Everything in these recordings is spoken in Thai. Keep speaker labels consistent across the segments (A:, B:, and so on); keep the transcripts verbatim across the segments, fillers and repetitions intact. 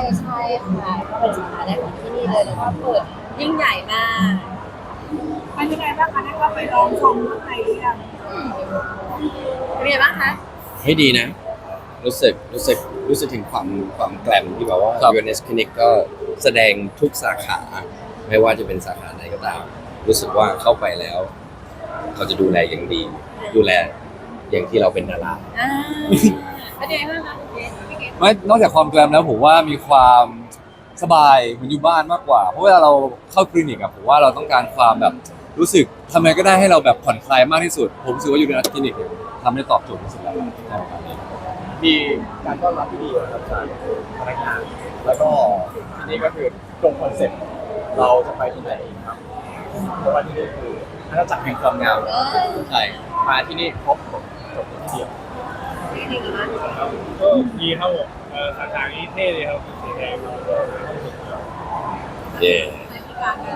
A: ใช่ค่ะก็เป็นสาขาแรกของที่นี่เลยแล้วก็เปิดยิ่งใหญ่มาก
B: เป็นยังไงบ้างคะได้ก็ไปลองชมข้างในหรือยัง
A: เป็นไงบ้างคะ
C: เฮ้ยดีนะรู้สึกรู้สึกรู้สึกถึงความความแกลมที่แบบว่า ยู เอ็น เอส Clinic ก็แสดงทุกสาขาไม่ว่าจะเป็นสาขาไหนก็ตามรู้สึกว่าเข้าไปแล้วเขาจะดูแลอย่างดี ดูแลอย่างที่เราเป็นดารา
A: อ่าเป็นยังไงบ้างคะคุณเกศพี่เกศ
D: ไม่นอกจากความแกรมแล้วผมว่ามีความสบายเหมือนอยู่บ้านมากกว่าเพราะเวลาเราเข้าคลินิกอะผมว่าเราต้องการความแบบรู้สึกทำไงก็ได้ให้เราแบบผ่อนคลายมากที่สุดผมรู้สึกว่าอยู่ในคลินิกเนี่ยทำได้ตอบโจทย์ที่สุดแล้วใช่ครับ
E: มีการต้อนรับที่ดีนะครับจากพนักงานแล้วก็ที่นี่ก็คือตรงคอนเซ็ปต์เราจะไปที่ไหนครับเพราะว่าที่นี่คืออาณาจักรแห่งความงาม
A: เออ
E: ใช่มาที่นี่ครบจบจบที่เดียว
A: พี่เกศนะ
F: ก็ดีครับผมเอ่อสาขานี้เท่เลยครับสีแดงครับ
C: เย่
A: ในที่การงาน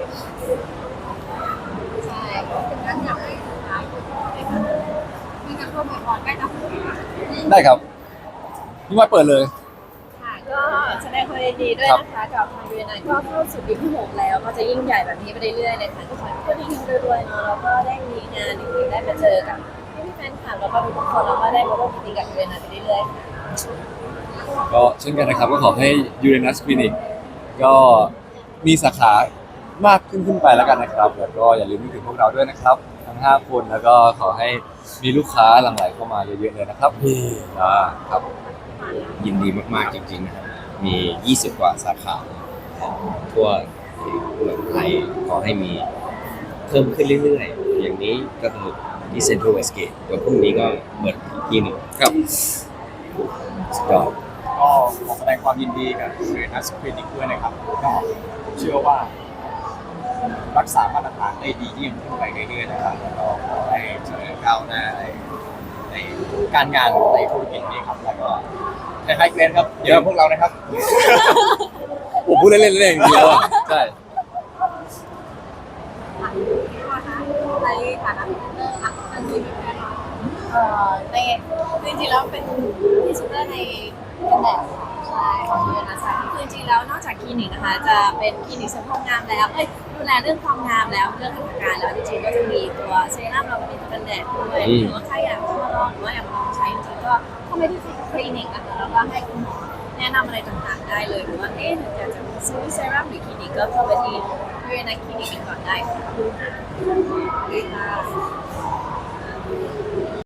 A: ใช่เป็นการอยากให้สุดท้ายคือในการมีการร่วมกับพรได้นะ
D: ได้ครับพี่ว่าเปิดเลย
A: ค่ะก็แสดงความยินดีด้วยนะคะกับทางยูเอ็นไอก็เข้าสู่ปีที่หกแล้วก็จะยิ่งใหญ่แบบนี้ไปเรื่อยๆเลยค่ะทุกคนก็ดีๆรวยๆเนาะแล้วก็ได้มีงานดีๆได้มาเจอกับพี่ๆแฟนคลับแล้วก็ทุกคนแล้วก็ได้มาร่วมกิจกรรมกับยูเอ็นไอไปเรื่อยๆค่ะ
D: ก็เช่นกันนะครับก็ขอให้ยูเรนัสคลินิกก็มีสาขามากขึ้นขึ้นไปแล้วกันนะครับแล้วก็อย่าลืมนึกถึงพวกเราด้วยนะครับทั้งห้าคนแล้วก็ขอให้มีลูกค้าหลั่งไหลเข้ามาเยอะๆเลยนะครับอ่าครับ
C: ยินดีมากๆจริงๆนะครับมียี่สิบกว่าสาขาทั่วเมืองไทยขอให้มีเพิ่มขึ้นเรื่อยๆอย่างนี้ก็คือที่เซ็นทรัลเวสเกตเดี๋ยวพรุ่งนี้ก็เปิดอีกที่หนึ่ง
D: ครับ
C: สุดยอด
E: ก็ขอแสดงความยินดีกับเรนัสคลินิกด้วยนะครับก็เชื่อว่ารักษามาตรฐานได้ดียิ่งขึ้นไปเรื่อยๆนะครับแล้วก็ขอให้เจริญก้าวหน้าในในการงานในธุรกิจนี้ครับแล้วก็คล้ายๆเกรนครับเดี๋ยวพวกเรานะครับ
D: ผมพูดเล่นๆเล่นๆอย่างเดียวอะใช่
A: ในฐานะพรีเซนเตอร์ค่ะอันนี้แน่นอนเอ่อในจริงๆแล้วเป็นพรีเซนเตอร์ในกันแดดใช่ของยูเอ็นไอนะคะคือจริงๆแล้วนอกจากคลินิกนะคะจะเป็นคลินิกเสริมความงามแล้วเอ้ยดูแลเรื่องความงามแล้วเรื่องหัตถการแล้วจริงๆก็จะมีตัวเซรั่มแล้วก็มีตัวกันแดดด้วยหรือว่าใครอยากจะมาลองหรือว่าอยากมาลองใช้จริงๆก็เข้าไปที่คลินิกนะคะแล้วก็ให้คุณหมอแนะนำอะไรต่างๆได้เลยหรือว่าเอ๊ะอยากจะซื้อเซรั่มหรือคลินิกก็เข้าไปที่ยูเอ็นไอคลินิกกันก่อนได้ค่ะ ดีค่ะ